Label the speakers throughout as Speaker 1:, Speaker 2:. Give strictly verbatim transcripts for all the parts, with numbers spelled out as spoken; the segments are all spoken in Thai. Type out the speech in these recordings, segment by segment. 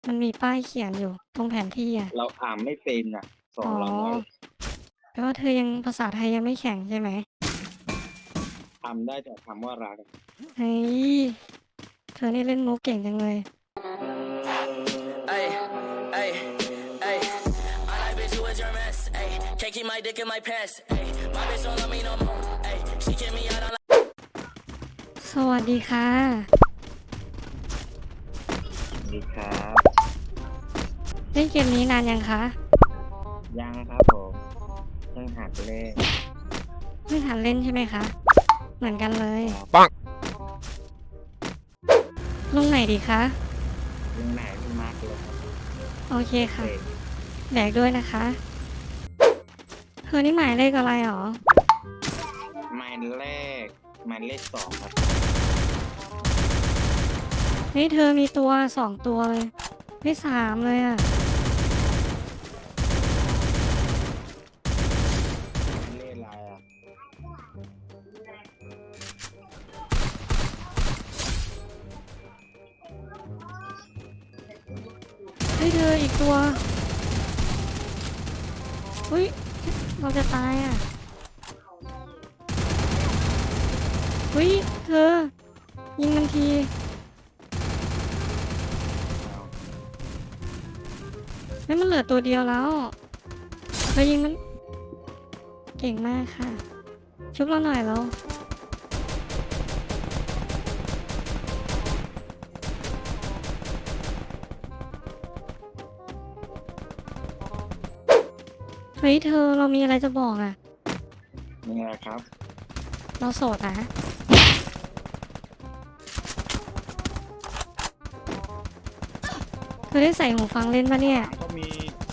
Speaker 1: มันมีป้ายเขียนอยู่ตรงแผนที่อะ
Speaker 2: เราอ่านไม่เป็นอ่ะสอ
Speaker 1: อ๋อ
Speaker 2: นเราหน่อย
Speaker 1: แปลว่าเธอยังภาษาไทยยังไม่แข็งใช่ไหม
Speaker 2: ทำได้แต่คำว่ารัก
Speaker 1: เฮ้ยเธอนี่เล่นมุกเก่งจังเลย
Speaker 3: Ay, ay, ay. My life bitch, you is your mess. Ay, can't keep my dick in my pants. Ay, my bitch don't love me no more. Ay, she kick me out on.
Speaker 1: สวัสดีค่ะ
Speaker 2: ดีครับ
Speaker 1: เล่นเกมนี้นานยังคะ
Speaker 2: ยังครับผมเพิ่งหัดเล่น
Speaker 1: เพิ่งหัดเล่นใช่ไหมคะเหมือนกันเลย
Speaker 2: ปัง
Speaker 1: ลงไหนดีคะ
Speaker 2: ยังไหนพี่มาร์กเลยครับ
Speaker 1: โอเคค่ะ
Speaker 2: เด็ก
Speaker 1: แบกด้วยนะคะเธอนี่หมายเลขอะไรหรอ
Speaker 2: หมายเลขหมายเลขสองครับ
Speaker 1: เฮ้ยเธอมีตัวสองตัวเลยไม่สามเลยอะ
Speaker 2: หมายเลขอะไรอ่ะ
Speaker 1: เฮ้ยเธออีกตัวเฮ้ยเราจะตายอ่ะเฮ้ยเธอยิงมันทีไม่มันเหลือตัวเดียวแล้วเธอยิงมันเก่งมากค่ะชุบเราหน่อยแล้วเฮ้ยเธอเรามีอะไรจะบอกอ่ะ
Speaker 2: นี่แหละครับ
Speaker 1: เราโสดนะเธอได้ใส่หูฟังเล่นปะเนี่ย
Speaker 2: ก็มี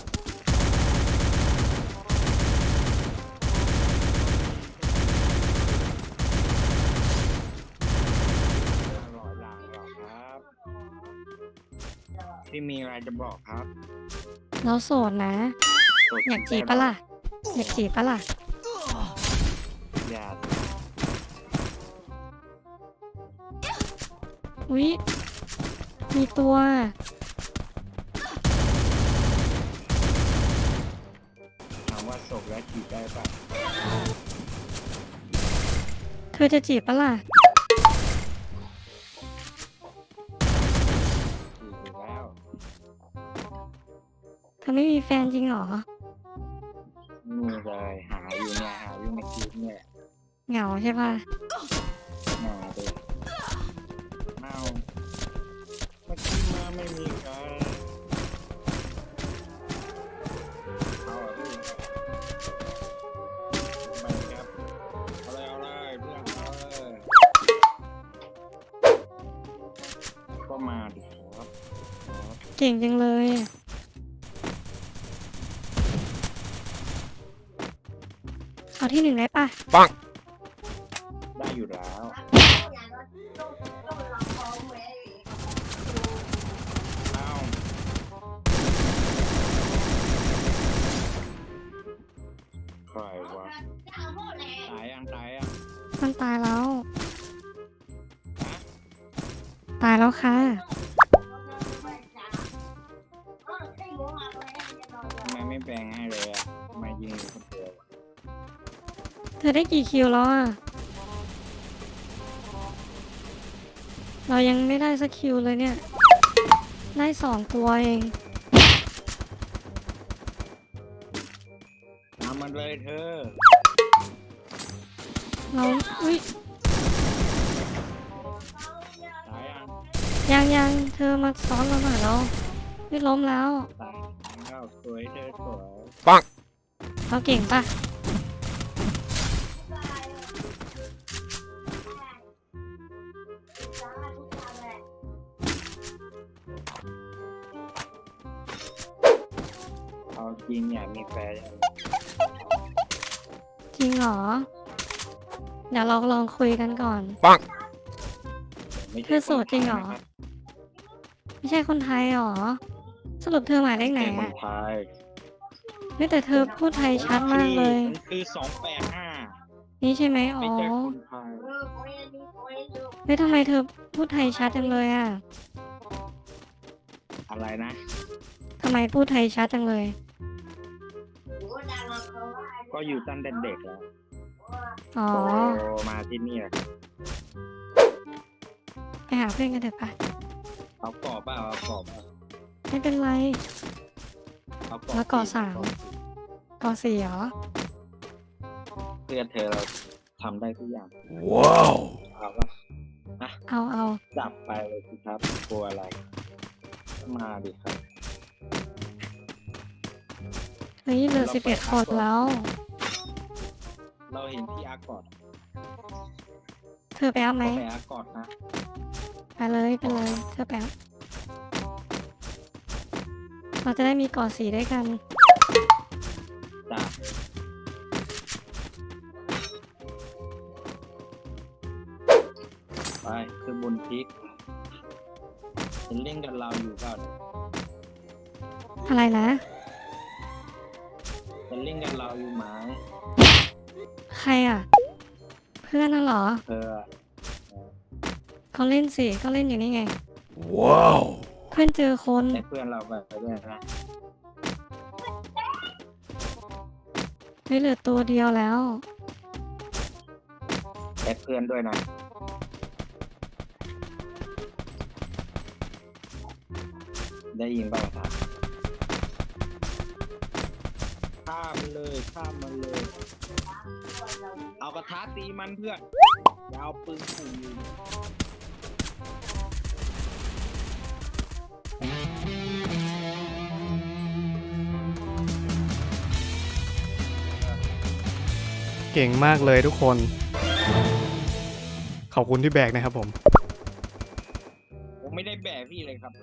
Speaker 2: หล่อหลังหรอครับพี่มีอะไรจะบอกครับ
Speaker 1: เราโสดนะ
Speaker 2: กด
Speaker 1: อยากจีบปะล่ะอยากจีบปะล่ะ
Speaker 2: อย่า
Speaker 1: อุ๊ยมีตัว
Speaker 2: ถามว่าศพแล้วจีบได้ปะ
Speaker 1: เธอจะจีบปะล่ะ
Speaker 2: จีบอยู่แล้ว
Speaker 1: เธอไม่มีแฟนจริงเหรอ
Speaker 2: นี่เลยหาอยู่เนี่ยหาอยู่ในคลิปเนี่ย
Speaker 1: เหงาใช่ปะ
Speaker 2: หาเลยเมาเมื่อกี้มาไม่มีใครเอาอะพี่ไปครับเอาเลยเอาเลยเพื่อนเอาเลยก็มาดิครับครับ
Speaker 1: เก่งจังเลยเอาที่หนึ่งได้ปะ
Speaker 2: ปังได้อยู่แล้วเอาใครวะตายยังตายยัง
Speaker 1: มันตายแล้ว
Speaker 2: ฮะ
Speaker 1: ตายแล้วค่ะ
Speaker 2: ทำไมไม่แปลงให้เลยอ่ะทำไมยิงอยู่คนเดียวอะ
Speaker 1: เธอได้กี่คิวแล้วอ่ะเรายังไม่ได้สักคิวเลยเนี่ยได้สองตัวเอง
Speaker 2: ทำมันเลยเธอ
Speaker 1: เราอุ้ย
Speaker 2: ตายยัง
Speaker 1: ยังยังเธอมาซ้อนเราหน่อยแล้วไม่ล้มแล้ว
Speaker 2: ตายแล้วสวยเธอสวย
Speaker 1: เราเก่งปะ
Speaker 2: เอาจริงอยากมีแฟนยัง
Speaker 1: จริงเหรอเดี๋ยวเราลองคุยกันก่อน
Speaker 2: ไม่
Speaker 1: เธ
Speaker 2: ใช่
Speaker 1: อโสดจริงเหรอ
Speaker 2: นะครับ
Speaker 1: ไม่ใช่คนไทยเหรอสรุปเธอหมายเลขไหน
Speaker 2: ไม่ใช่ค
Speaker 1: อ่ะ
Speaker 2: นไทย
Speaker 1: ไม่แต่เธอพูดไทยชัดมากเลย
Speaker 2: มันคือสองแปดห้า
Speaker 1: นี่ใช่ไหมอ๋อ
Speaker 2: ไม่ใช่คนไทย
Speaker 1: เฮ้ยทำไมเธอพูดไทยชัดจังเลยอ่ะ
Speaker 2: อะไรนะ
Speaker 1: ทำไมพูดไทยชัดจังเลย
Speaker 2: ก็อยู่ตั้งแต่เด็กแล้ว
Speaker 1: อ๋อ
Speaker 2: โตมาที่นี่แหละ
Speaker 1: ไปหาเพื่อนกันเถอะปะ
Speaker 2: เอากรอบเปล่าเอากรอบเปล่า
Speaker 1: ไม่เป็นไร
Speaker 2: เอากรอบ
Speaker 1: แล้วกรอบสาม กอสี่เหรอ
Speaker 2: เพื่อนเธอเราทำได้ทุกอย่าง
Speaker 4: ว้าว
Speaker 2: เอาปะ
Speaker 1: เอาเอา
Speaker 2: จับไปเลยสิครับกลัวอะไร มาดิครับ
Speaker 1: เฮ้ยเหลือสิบเอ็ดคนแล้ว
Speaker 2: เราเห็นที่อากอด
Speaker 1: เธอไปเอาไหม
Speaker 2: ก็ไปอากอดนะ
Speaker 1: ไปเลยไปเลย เธอไปเอาเราจะได้มีกอสีด้วยกัน
Speaker 2: จ้าไปคือบนพริกจะเล่นกับเราอยู่เปล่าเนี่ย
Speaker 1: อะไรนะ
Speaker 2: จะเล่นกับเราอยู่ไหม
Speaker 1: ใครอ่ะ เพื่อนน่ะเหรอ
Speaker 2: เธออะ
Speaker 1: เขาเล่นสิก็เล่นอยู่นี่ไง
Speaker 4: ว้าว
Speaker 1: เพื่อนเจอคน
Speaker 2: ให้เพื่อนเราไปด้วยนะ
Speaker 1: เฮ้ยเหลือตัวเดียวแล้ว
Speaker 2: แอดเพื่อนด้วยนะ ได้ยินบ้างครับข้ามมันเลยข้ามมันเลย เอากระทะตีมันเพื่อนอย่าเอาปืนขู่ยิง
Speaker 4: เก่งมากเลยทุกคน ขอบคุณที่แบกนะครับผม
Speaker 2: ผมไม่ได้แบกพี่เลยครับ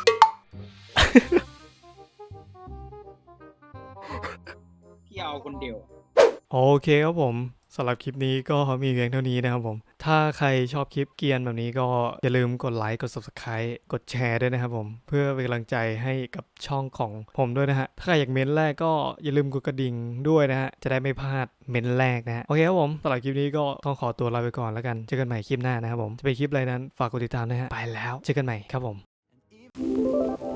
Speaker 2: พี่เอาคนเดียว
Speaker 4: โอเคครับผมสำหรับคลิปนี้ก็มีเพียงเท่านี้นะครับผม ถ้าใครชอบคลิปเกรียนแบบนี้ก็อย่าลืมกดไลค์กด ซับสไครบ์ กดแชร์ด้วยนะครับผมเพื่อเป็นกำลังใจให้กับช่องของผมด้วยนะฮะถ้าใครอยากเม้นแรกก็อย่าลืมกดกระดิ่งด้วยนะฮะจะได้ไม่พลาดเม้นแรกนะฮะโอเคครับผมสำหรับคลิปนี้ก็ต้องขอตัวลาไปก่อนแล้วกันเจอกันใหม่คลิปหน้านะครับผมจะเป็นคลิปอะไรนั้นฝากกดติดตามนะฮะไปแล้วเจอกันใหม่ครับผม